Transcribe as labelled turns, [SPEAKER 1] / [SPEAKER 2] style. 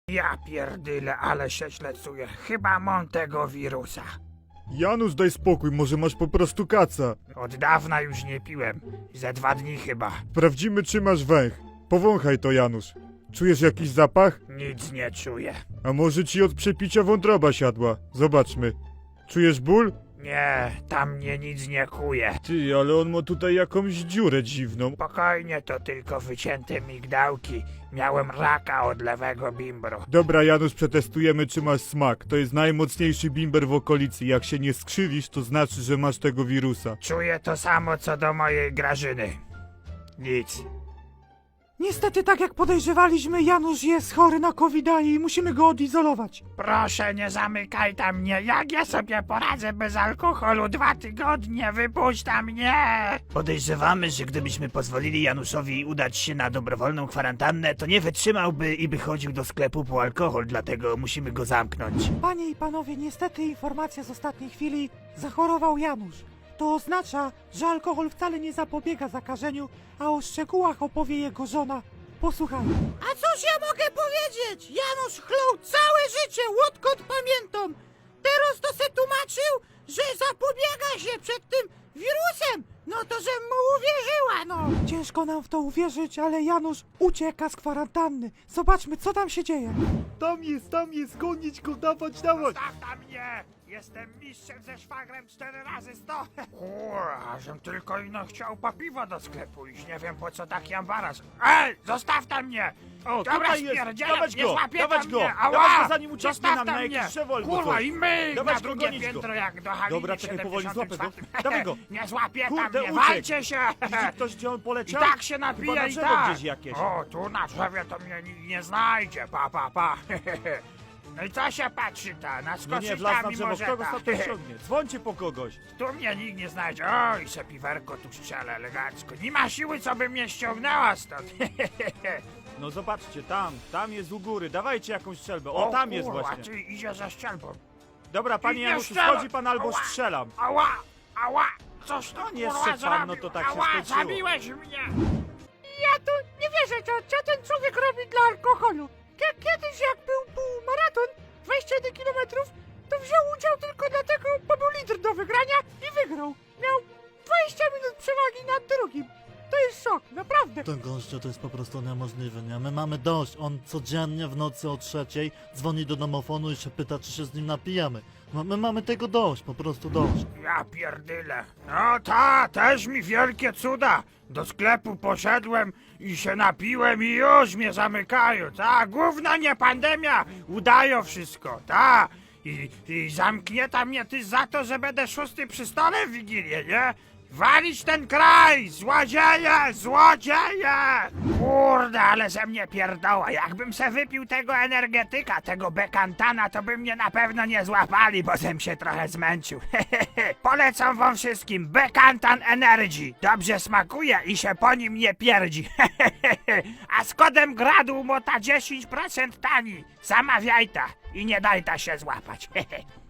[SPEAKER 1] Ja pierdyle, ale się źle czuję. Chyba mam tego wirusa.
[SPEAKER 2] Janusz, daj spokój, może masz po prostu kaca.
[SPEAKER 1] Od dawna już nie piłem. Ze 2 dni chyba.
[SPEAKER 2] Sprawdzimy, czy masz węch. Powąchaj to, Janusz. Czujesz jakiś zapach?
[SPEAKER 1] Nic nie czuję.
[SPEAKER 2] A może ci od przepicia wątroba siadła? Zobaczmy. Czujesz ból?
[SPEAKER 1] Nie, tam mnie nic nie kuje.
[SPEAKER 2] Ty, ale on ma tutaj jakąś dziurę dziwną.
[SPEAKER 1] Spokojnie, to tylko wycięte migdałki. Miałem raka od lewego bimbru.
[SPEAKER 2] Dobra, Janusz, przetestujemy, czy masz smak. To jest najmocniejszy bimber w okolicy. Jak się nie skrzywisz, to znaczy, że masz tego wirusa.
[SPEAKER 1] Czuję to samo co do mojej Grażyny. Nic.
[SPEAKER 3] Niestety, tak jak podejrzewaliśmy, Janusz jest chory na COVID-a i musimy go odizolować.
[SPEAKER 1] Proszę, nie zamykaj tam mnie. Jak ja sobie poradzę bez alkoholu? 2 tygodnie, wypuść tam mnie!
[SPEAKER 4] Podejrzewamy, że gdybyśmy pozwolili Januszowi udać się na dobrowolną kwarantannę, to nie wytrzymałby i by chodził do sklepu po alkohol, dlatego musimy go zamknąć.
[SPEAKER 3] Panie i panowie, niestety informacja z ostatniej chwili: zachorował Janusz. To oznacza, że alkohol wcale nie zapobiega zakażeniu, a o szczegółach opowie jego żona. Posłuchajmy.
[SPEAKER 5] A cóż ja mogę powiedzieć? Janusz chlął całe życie, odkąd pamiętam. Teraz to se tłumaczył, że zapobiega się przed tym wirusem. No to żem mu uwierzyła, no.
[SPEAKER 3] Ciężko nam w to uwierzyć, ale Janusz ucieka z kwarantanny. Zobaczmy, co tam się dzieje.
[SPEAKER 2] Tam jest, gonić go, dawać.
[SPEAKER 1] Zostaw tam mnie! Jestem mistrzem ze szwagrem 4 razy 100. Kurwa, żem tylko ino chciał po piwo do sklepu iść. Nie wiem po co taki ambaras. Ej, zostaw tam mnie!
[SPEAKER 6] O,
[SPEAKER 1] Dobra,
[SPEAKER 6] tutaj jest!
[SPEAKER 1] spierdzielam,
[SPEAKER 6] Dawać
[SPEAKER 1] nie
[SPEAKER 6] go!
[SPEAKER 1] złapie
[SPEAKER 6] Dawać
[SPEAKER 1] tam
[SPEAKER 6] go!
[SPEAKER 1] mnie! Ała!
[SPEAKER 6] Dawać go, zanim ucieknie
[SPEAKER 1] Zostaw
[SPEAKER 6] nam
[SPEAKER 1] tam
[SPEAKER 6] na
[SPEAKER 1] mnie!
[SPEAKER 6] jakiś drzewo albo
[SPEAKER 1] Kurwa,
[SPEAKER 6] coś.
[SPEAKER 1] i my
[SPEAKER 6] Dawać
[SPEAKER 1] na
[SPEAKER 6] go,
[SPEAKER 1] drugie
[SPEAKER 6] gonić go.
[SPEAKER 1] piętro jak do Haliny
[SPEAKER 6] Dobra, czekaj, powoli, złapę go.
[SPEAKER 1] 74.
[SPEAKER 6] Dawaj go.
[SPEAKER 1] Nie złapie tam
[SPEAKER 6] Kurde,
[SPEAKER 1] mnie,
[SPEAKER 6] uciekł.
[SPEAKER 1] walcie się!
[SPEAKER 6] Widzi ktoś, gdzie on
[SPEAKER 1] I
[SPEAKER 6] poleciał?
[SPEAKER 1] tak się
[SPEAKER 6] Chyba
[SPEAKER 1] napija
[SPEAKER 6] na
[SPEAKER 1] i
[SPEAKER 6] drzewo
[SPEAKER 1] tak!
[SPEAKER 6] gdzieś jakieś.
[SPEAKER 1] O, tu na drzewie to mnie nikt nie znajdzie, pa. No i co się patrzy ta?
[SPEAKER 6] No
[SPEAKER 1] Naskoczyć
[SPEAKER 6] nie, wlazł na
[SPEAKER 1] tam i
[SPEAKER 6] drzewo,
[SPEAKER 1] może
[SPEAKER 6] kto go
[SPEAKER 1] ta.
[SPEAKER 6] stąd ściągnie? Dzwońcie po kogoś.
[SPEAKER 1] Tu mnie nikt nie znajdzie. Oj, se piwerko tu strzela elegancko. Nie ma siły, co by mnie ściągnęła stąd.
[SPEAKER 6] No zobaczcie, tam jest u góry, dawajcie jakąś strzelbę. O, tam jest
[SPEAKER 1] kurwa,
[SPEAKER 6] właśnie.
[SPEAKER 1] Ty idzie za strzelbą.
[SPEAKER 6] Dobra, panie
[SPEAKER 1] Nie
[SPEAKER 6] Januszu,
[SPEAKER 1] strzelaj.
[SPEAKER 6] schodzi pan albo
[SPEAKER 1] Ała.
[SPEAKER 6] strzelam.
[SPEAKER 1] Ała, coś tu
[SPEAKER 6] No nie
[SPEAKER 1] kurwa
[SPEAKER 6] strzel pan,
[SPEAKER 1] zrobił.
[SPEAKER 6] no to tak się
[SPEAKER 1] Ała,
[SPEAKER 6] skończyło.
[SPEAKER 1] zabiłeś mnie.
[SPEAKER 5] Ja tu nie wierzę, co ten człowiek robi dla alkoholu. Kiedyś jak był półmaraton, 21 km, to wziął udział tylko dlatego, bo był litr do wygrania i wygrał. Miał 20 minut przewagi nad drugim. To jest szok, naprawdę.
[SPEAKER 7] To gościu to jest po prostu niemożliwe, nie? My mamy dość. On codziennie w nocy o 3:00 dzwoni do domofonu i się pyta, czy się z nim napijamy. My mamy tego dość, po prostu dość.
[SPEAKER 1] Ja pierdyle. No też mi wielkie cuda. Do sklepu poszedłem i się napiłem i już mnie zamykają. Gówno nie pandemia. Udają wszystko, I zamknięta mnie ty za to, że będę 6 przy stole w Wigilię, nie? Walić ten kraj! Złodzieje! Kurde, ale ze mnie pierdoła. Jakbym se wypił tego energetyka, tego bekantana, to by mnie na pewno nie złapali, bo żem się trochę zmęczył. Polecam wam wszystkim Bekantan Energy. Dobrze smakuje i się po nim nie pierdzi. A z kodem GRADU mota 10% tani. Zamawiaj ta i nie daj ta się złapać.